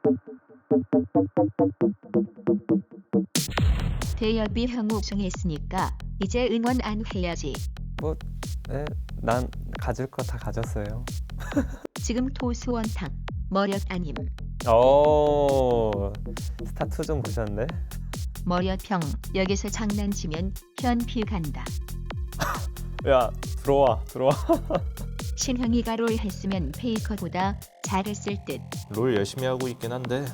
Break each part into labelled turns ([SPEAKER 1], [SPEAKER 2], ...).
[SPEAKER 1] 대여비 형 우승했으니까 이제 응원 안 해야지.
[SPEAKER 2] 뭐, 네, 난 가질 거 다 가졌어요.
[SPEAKER 1] 지금 토수원탕 머력 아님.
[SPEAKER 2] 스타2 좀 보셨네?
[SPEAKER 1] 머력형 여기서 장난치면 현피 간다.
[SPEAKER 2] 야, 들어와.
[SPEAKER 1] 신형이가 롤 했으면 페이커보다 잘했을 듯.
[SPEAKER 3] 롤 열심히 하고 있긴 한데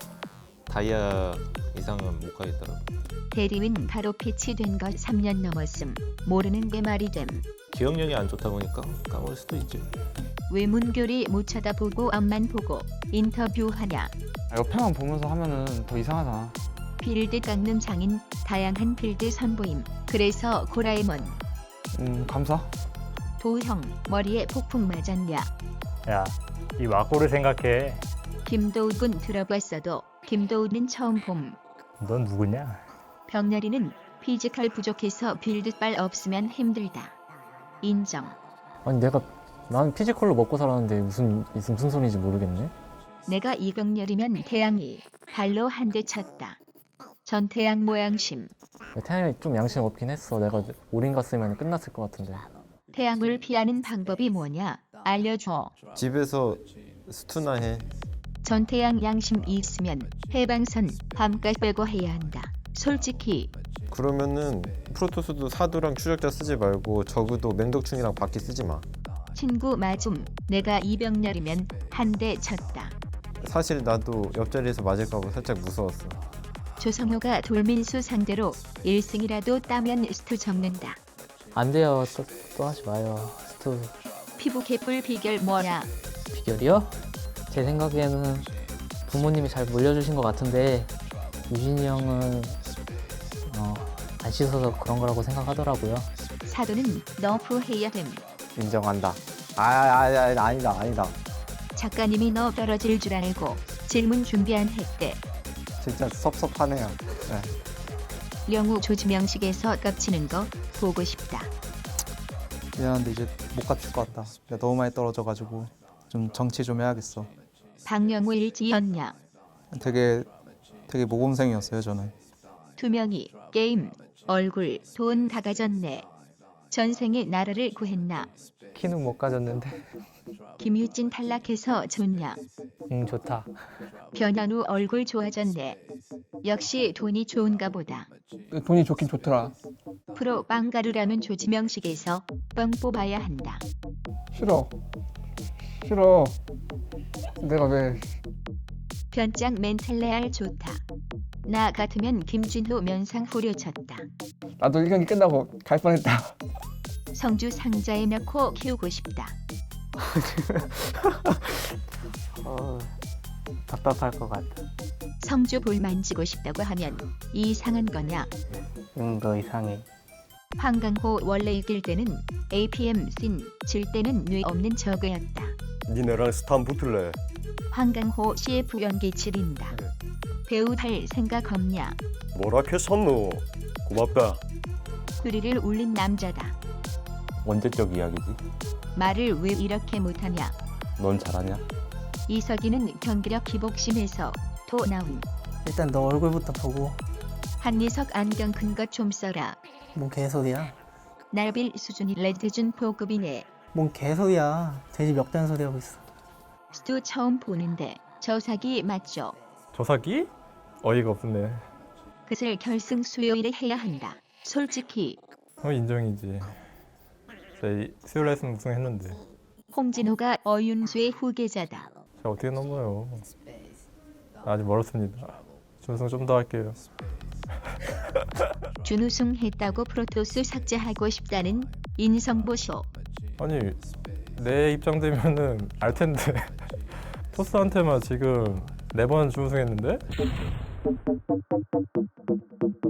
[SPEAKER 3] 다이아 이상은 못 가겠더라고.
[SPEAKER 1] 대리윈 바로 패치된 거 3년 넘었음. 모르는 게 말이 됨.
[SPEAKER 3] 기억력이 안 좋다 보니까 까먹을 수도 있지.
[SPEAKER 1] 외문교리 못 쳐다보고 앞만 보고 인터뷰하냐.
[SPEAKER 4] 옆에만 보면서 하면은 더 이상하잖아.
[SPEAKER 1] 빌드 깎는 장인 다양한 빌드 선보임. 그래서 고라에몬
[SPEAKER 4] 감사.
[SPEAKER 1] 도형 머리에 폭풍 맞았냐.
[SPEAKER 5] 야, 이 와꾸를 생각해.
[SPEAKER 1] 김도욱은 들어봤어도 김도욱은 처음 봄.
[SPEAKER 5] 넌 누구냐?
[SPEAKER 1] 병렬이는 피지컬 부족해서 빌드빨 없으면 힘들다. 인정.
[SPEAKER 6] 아니 난 피지컬로 먹고 살았는데 무슨 소리인지 모르겠네.
[SPEAKER 1] 내가 이병렬이면 태양이 발로 한 대 쳤다. 전태양 모양심.
[SPEAKER 6] 태양이 좀 양심 없긴 했어. 내가 올인 갔으면 끝났을 것 같은데.
[SPEAKER 1] 태양을 피하는 방법이 뭐냐? 알려줘.
[SPEAKER 3] 집에서 스투나 해.
[SPEAKER 1] 전태양 양심 있으면 해방선 밤까지 빼고 해야 한다. 솔직히
[SPEAKER 3] 그러면은 프로토스도 사두랑 추적자 쓰지 말고 저그도 맹독충이랑 바퀴 쓰지 마.
[SPEAKER 1] 친구 맞음. 내가 이병렬이면 한 대 쳤다.
[SPEAKER 3] 사실 나도 옆자리에서 맞을까 봐 살짝 무서웠어.
[SPEAKER 1] 조성효가 돌민수 상대로 1승이라도 따면 스투 적는다.
[SPEAKER 6] 안 돼요. 또 하지 마요. 스투
[SPEAKER 1] 피부 개뿔 비결 뭐야?
[SPEAKER 6] 비결이요? 제 생각에는 부모님이 잘 물려주신 것 같은데 유진이 형은 안 씻어서 그런 거라고 생각하더라고요.
[SPEAKER 1] 사도는 너프 해야 됨.
[SPEAKER 2] 인정한다. 아니다.
[SPEAKER 1] 작가님이 너 떨어질 줄 알고 질문 준비 안 했대.
[SPEAKER 2] 진짜 섭섭하네요.
[SPEAKER 1] 영우 조지명식에서 깝치는 거 보고 싶다.
[SPEAKER 4] 미안한데 이제 못 갖출 것 같다. 내가 너무 많이 떨어져가지고 좀 정치 좀 해야겠어.
[SPEAKER 1] 박영우 일지였냐?
[SPEAKER 4] 되게 모범생이었어요 저는.
[SPEAKER 1] 두 명이 게임, 얼굴, 돈 다 가졌네. 전생에 나라를 구했나?
[SPEAKER 6] 키는 못 가졌는데.
[SPEAKER 1] 김유진 탈락해서 좋냐?
[SPEAKER 6] 좋다.
[SPEAKER 1] 변현우 얼굴 좋아졌네. 역시 돈이 좋은가 보다.
[SPEAKER 4] 돈이 좋긴 좋더라.
[SPEAKER 1] 프로 빵가루라는 조지명식에서 뻥 뽑아야 한다.
[SPEAKER 4] 싫어. 내가 왜?
[SPEAKER 1] 변장 멘탈 레알 좋다. 나 같으면 김진호 면상 후려쳤다.
[SPEAKER 4] 나도 1경기 끝나고 갈 뻔했다.
[SPEAKER 1] 성주 상자에 넣고 키우고 싶다.
[SPEAKER 2] 답답할 것 같아.
[SPEAKER 1] 성주 볼 만지고 싶다고 하면 이상한 거냐?
[SPEAKER 2] 너 이상해.
[SPEAKER 1] 황강호 원래 이길 때는 APM 질 때는 뇌 없는 저그였다.
[SPEAKER 7] 니네랑 스탄 붙을래?
[SPEAKER 1] 황강호 CF 연기 지린다. 배우 할 생각 없냐?
[SPEAKER 7] 뭐라 캐섰노? 고맙다.
[SPEAKER 1] 뿌리를 울린 남자다.
[SPEAKER 3] 언제적 이야기지?
[SPEAKER 1] 말을 왜 이렇게 못하냐?
[SPEAKER 3] 넌 잘하냐?
[SPEAKER 1] 이석이는 경기력 기복심에서 토 나온.
[SPEAKER 8] 일단 너 얼굴부터 보고.
[SPEAKER 1] 한리석 안경 큰 것 좀 써라.
[SPEAKER 8] 뭔 개소리야.
[SPEAKER 1] 날빌 수준이 레드준 포급이네.
[SPEAKER 8] 뭔 개소리야. 돼지 멱단 소리 하고 있어.
[SPEAKER 1] 스투 처음 보는데 저 사기 맞죠?
[SPEAKER 5] 조사기? 어이가 없네.
[SPEAKER 1] 그슬 결승 수요일에 해야 한다. 솔직히
[SPEAKER 5] 인정이지. 저희 수요일 레슨 우승했는데
[SPEAKER 1] 홍진호가 어윤수의 후계자다.
[SPEAKER 5] 제가 어떻게 넘어요? 아직 멀었습니다. 준우승 좀 더 할게요.
[SPEAKER 1] 준우승 했다고 프로토스 삭제하고 싶다는 인성보쇼.
[SPEAKER 5] 아니 내 입장 되면은 알 텐데 토스한테만 지금 4번 준우승했는데?